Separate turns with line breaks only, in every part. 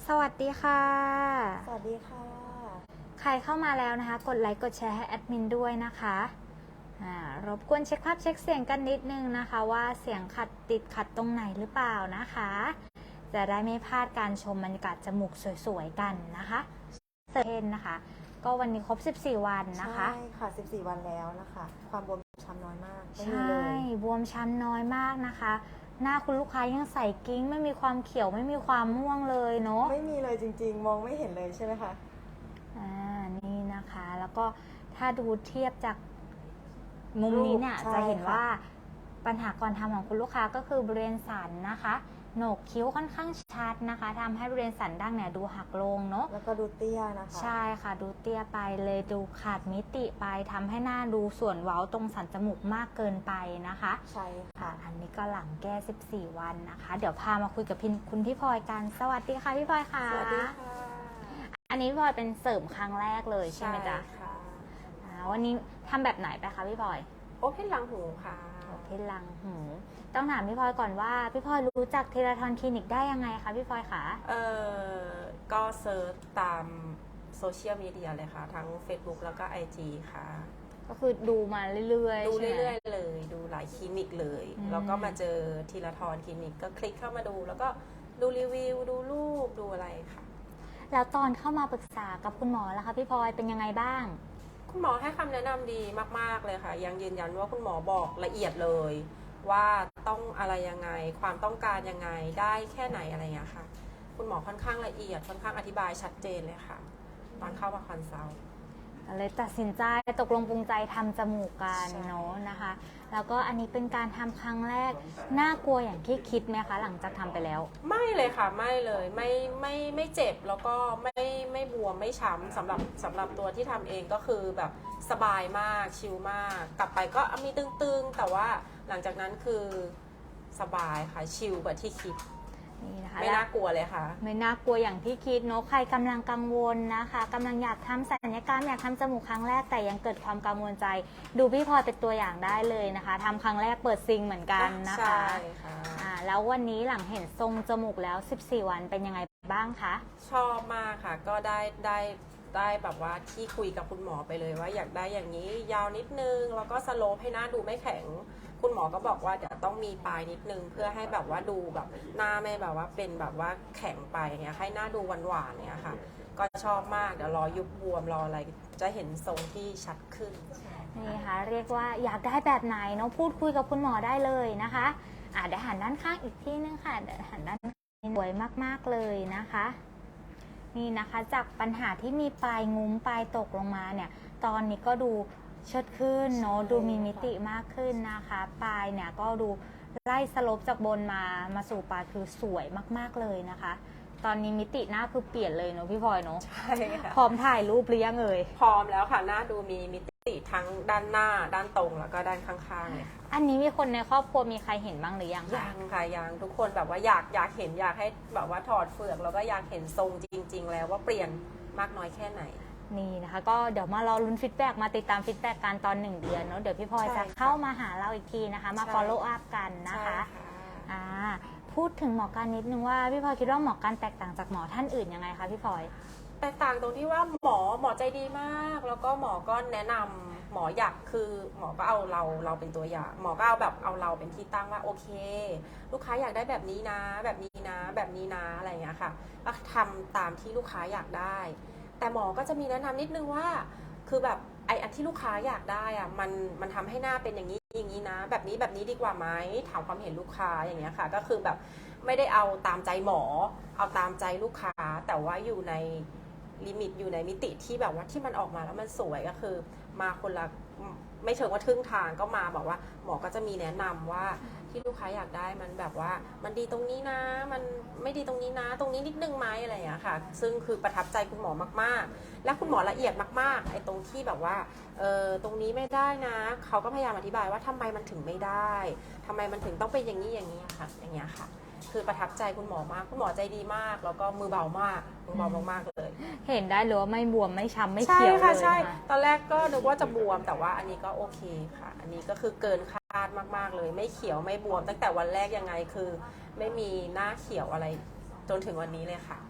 สวัสดีค่ะ
สวัสดีค่ะ
ใครเข้ามาแล้วนะคะกดไลค์กดแชร์ให้แอดมินด้วยนะคะรบกวนเช็คภาพเช็คเสียงกันนิดนึงนะคะว่าเสียงขัดติดขัดตรงไหนหรือเปล่านะคะจะได้ไม่พลาดการชมบรรยากาศจมูกสวยๆกันนะคะเซนนะคะก็วันนี้ครบ14วันนะคะ
ใช่ค่ะ14วันแล้วนะคะความบวมช้ำน้อยมากไม่มี
ใช่
เลย
บวมช้ำน้อยมากนะคะหน้าคุณลูกค้ายังใสกิ้งไม่มีความเขียวไม่มีความม่วงเลยเนาะ
ไม่มีเลยจริงๆมองไม่เห็นเลยใช่ไหมคะ
นี่นะคะแล้วก็ถ้าดูเทียบจากมุมนี้เนี่ยจะเห็นว่าปัญหาก่อนทำของคุณลูกค้าก็คือบริเวณสันนะคะโหนกคิ้วค่อนข้างชัดนะคะทำให้บริเวณสันดั้งเนี่ยดูหักลงเนาะ
แล้วก็ดูเตี้ยนะคะ
ใช่ค่ะดูเตี้ยไปเลยดูขาดมิติไปทำให้หน้าดูส่วนเว้าตรงสันจมูกมากเกินไปนะคะ
ใช่ค่ะ
อันนี้ก็หลังแก้14วันนะคะเดี๋ยวพามาคุยกับคุณพี่พลอยกันสวัสดีค่ะพี่พลอยค่ะ
สวัสดีค่ะ
อันนี้พี่พลอยเป็นเสริมครั้งแรกเลยใช่ไหมจ๊ะ
ค่ะ
วันนี้ทำแบบไหนไปคะพี่พลอย
โอเพนหลังหูค่ะ
โอเพนหลังหูต้องถามพี่พลอยก่อนว่าพี่พลอยรู้จักเทเลทอนคลินิกได้ยังไงคะพี่พลอยคะ
ก็เซิร์ชตามโซเชียลมีเดียเลยค่ะทั้ง Facebook แล้วก็ IG ค่ะ
ก็คือดูมาเรื่อย
ๆดูเรื่อยๆเลยดูหลายคลินิกเลยแล้วก็มาเจอทีละทอนคลินิกก็คลิกเข้ามาดูแล้วก็ดูรีวิวดูรูปดูอะไรค่ะ
แล้วตอนเข้ามาปรึกษากับคุณหมอแล้วคะพี่พลอยเป็นยังไงบ้าง
คุณหมอให้คำแนะนำดีมากๆเลยค่ะยังยืนยันว่าคุณหมอบอกละเอียดเลยว่าต้องอะไรยังไงความต้องการยังไงได้แค่ไหนอะไรอย่างเงี้ยค่ะคุณหมอค่อนข้างละเอียดค่อนข้างอธิบายชัดเจนเลยค่ะตอนเข้ามาคอนซัลท์
เลยตัดสินใจตกลงปรุงใจทำจมูกกันเนาะนะคะแล้วก็อันนี้เป็นการทำครั้งแรกน่ากลัวอย่างที่คิดไหมคะหลังจากทำไปแล้ว
ไม่เลยค่ะไม่เลยไม่เจ็บแล้วก็ไม่บวมไม่ช้ำสำหรับตัวที่ทำเองก็คือแบบสบายมากชิลมากกลับไปก็มีตึงๆแต่ว่าหลังจากนั้นคือสบายค่ะชิลกว่าที่คิด
นี่นะคะ
ไม่น่ากลัวเลยค่ะ
ไม่น่ากลัวอย่างที่คิดเนาะใครกำลังกังวลนะคะกำลังอยากทำศัลยกรรมอยากทำจมูกครั้งแรกแต่ยังเกิดความกังวลใจดูพี่พลอยเป็นตัวอย่างได้เลยนะคะทำครั้งแรกเปิดซิงเหมือนกันนะคะ
ใช่ค่ะ
แล้ววันนี้หลังเห็นทรงจมูกแล้ว14วันเป็นยังไงบ้างคะ
ชอบมากค่ะก็ได้แบบว่าที่คุยกับคุณหมอไปเลยว่าอยากได้อย่างนี้ยาวนิดนึงแล้วก็สโลปให้หน้าดูไม่แข็งคุณหมอก็บอกว่าเดี๋ยวต้องมีปลายนิดนึงเพื่อให้แบบว่าดูแบบหน้าไม่แบบว่าเป็นแบบว่าแข็งไปเงี้ยให้หน้าดูหวานๆเนี่ยค่ะก็ชอบมากเดี๋ยวรอยุบบวมรออะไรจะเห็นทรงที่ชัดขึ้น
นี่ค่ะเรียกว่าอยากได้แบบไหนเนาะพูดคุยกับคุณหมอได้เลยนะคะเดี๋ยวหันด้านข้างอีกทีนึงค่ะเดี๋ยวหันด้านสวยมากๆเลยนะคะนี่นะคะจากปัญหาที่มีปลายงุ้มปลายตกลงมาเนี่ยตอนนี้ก็ดูเชิดขึ้นเนาะดูมีมิติมากขึ้นนะคะปลายเนี่ยก็ดูไล่สโลปจากบนมาสู่ปลายคือสวยมากๆเลยนะคะตอนนี้มิติหน้าคือเปลี่ยนเลยเนาะพี่พลอยเนาะ
ใช่ค่ะ
พร้อมถ่ายรูปหรือยังเอ่ย
พร้อมแล้วค่ะหน้าดูมีมิติทั้งด้านหน้าด้านตรงแล้วก็ด้านข้างๆเลยค่ะ
อันนี้มีคนในครอบครัวมีใครเห็นบ้างหรือยัง
ยังค่ะยังทุกคนแบบว่าอยากเห็นอยากให้แบบว่าถอดเฟือกแล้วก็อยากเห็นทรงจริงๆแล้วว่าเปลี่ยนมากน้อยแค่ไหน
นี่นะคะก็เดี๋ยวมารอลุ้นฟีดแบ็กมาติดตามฟีดแบ็กกันตอน1 เดือนเนาะเดี๋ยวพี่พลอยจะเข้ามาหาเราอีกทีนะคะมา follow up กันนะคะพูดถึงหมอการนิดนึงว่าพี่พลอยคิดว่าหมอการแตกต่างจากหมอท่านอื่นยังไงคะพี่พลอย
แตกต่างตรงที่ว่าหมอใจดีมากแล้วก็หมอก็แนะนำหมออยากคือหมอก็เอาเราเป็นตัวอย่างหมอก็เอาแบบเอาเราเป็นที่ตั้งว่าโอเคลูกค้าอยากได้แบบนี้นะแบบนี้นะแบบนี้นะอะไรอย่างเงี้ยค่ะก็ทำตามที่ลูกค้าอยากได้แต่หมอก็จะมีแนะนำนิดนึงว่าคือแบบไอ้อันที่ลูกค้าอยากได้อะมันทำให้หน้าเป็นอย่างนี้อย่างนี้นะแบบนี้ดีกว่าไหมถามความเห็นลูกค้าอย่างเงี้ยค่ะก็คือแบบไม่ได้เอาตามใจหมอเอาตามใจลูกค้าแต่ว่าอยู่ในลิมิตอยู่ในมิติที่แบบว่าที่มันออกมาแล้วมันสวยก็คือมาคนละไม่เชิงว่าครึ่งทางก็มาบอกว่าหมอก็จะมีแนะนำว่าที่ลูกค้าอยากได้มันแบบว่ามันดีตรงนี้นะมันไม่ดีตรงนี้นะตรงนี้นิดนึงไหมอะไรอย่างเงี้ยค่ะซึ่งคือประทับใจคุณหมอมากๆและคุณหมอละเอียดมากๆไอ้ตรงที่แบบว่าตรงนี้ไม่ได้นะเขาก็พยายามอธิบายว่าทำไมมันถึงไม่ได้ทำไมมันถึงต้องเป็นอย่างนี้อย่างนี้ค่ะอย่างเงี้ยค่ะคือประทับใจคุณหมอมากคุณหมอใจดีมากแล้วก็มือเบามากมือเบามากๆเลย
เห็นได้เลยว่าไม่บวมไม่ช้ำไม่เขียวเลย
ใช่ตอนแรกก็นึกว่าจะบวมแต่ว่าอันนี้ก็โอเคค่ะอันนี้ก็คือเกินคาดมากๆเลยไม่เขียวไม่บวมตั้งแต่วันแรกยังไงคือไม่มีหน้าเขียวอะไรจนถึงวันนี้เลยค่ะ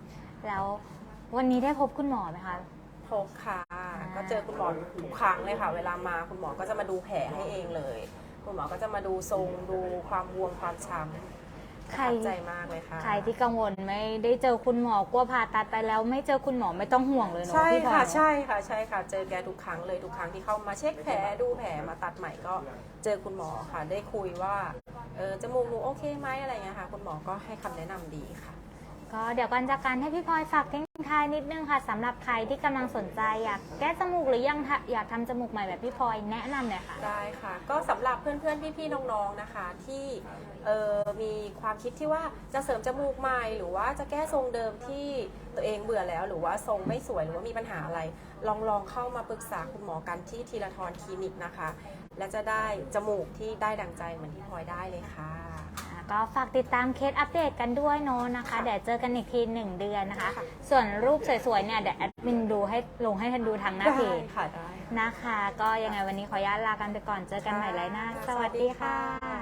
แล้ววันนี้ได้พบคุณหมอไหมคะ
พบค่ะก็เจอคุณหมอทุกครั้งเลยค่ะ เวลามาคุณหมอก็จะมาดูแผลให้เองเลย คุณหมอก็จะมาดูทรงดูความบวมความช้ำประ
ใคร
ทับใจมากเลยค่ะ
ใครที่กังวลไม่ได้เจอคุณหมอกลัวผ่าตัดไปแล้วไม่เจอคุณหมอไม่ต้องห่วงเลยเนาะ
ใช่
พี่พลอ
ค่ะ
ย
ใช่ค่ะใช่ค่ะ เจอแกทุกครั้งเลยทุกครั้งที่เข้ามาเช็คแผลดูแผลมาตัดใหม่ก็เจอคุณหมอค่ะ ได้คุยว่าจมูกหนูโอเคไหมอะไรเงี้ยค่ะ คุณหมอก็ให้คำแนะนำดีค่ะ
ก็เดี๋ยวก่อนจากการให้พี่พลอยฝากทิ้งท้ายนิดนึงค่ะสำหรับใครที่กำลังสนใจอยากแก้จมูกหรือยังอยากทำจมูกใหม่แบบพี่พลอยแนะนำหน่อยค่ะ
ได้ค่ะ ก็สำหรับเพื่อนๆ พี่ๆ น้องๆ นะคะ ที่มีความคิดที่ว่าจะเสริมจมูกใหม่ หรือว่าจะแก้ทรงเดิมที่ตัวเองเบื่อแล้ว หรือว่าทรงไม่สวยหรือว่ามีปัญหาอะไร ลองเข้ามาปรึกษาคุณหมอกันที่ทีละทรคลินิกนะคะ และจะได้จมูกที่ได้ดังใจเหมือนที่พลอยได้เลยค่ะ
ก็ฝากติดตามเคสอัปเดตกันด้วยเนาะนะคะ เดี๋ยวเจอกันอีกที1 เดือนนะคะ ส่วนรูปสวยๆเนี่ยเดี๋ยวแอดมินดูให้ลงให้ท่านดูทางหน้าเพจ
ได้ค่ะได้
นะคะ ก็ยังไงวันนี้ขออนุญาตลากันไปก่อนเจอกันใหม่ไลน์หน้า สวัสดีค่ะ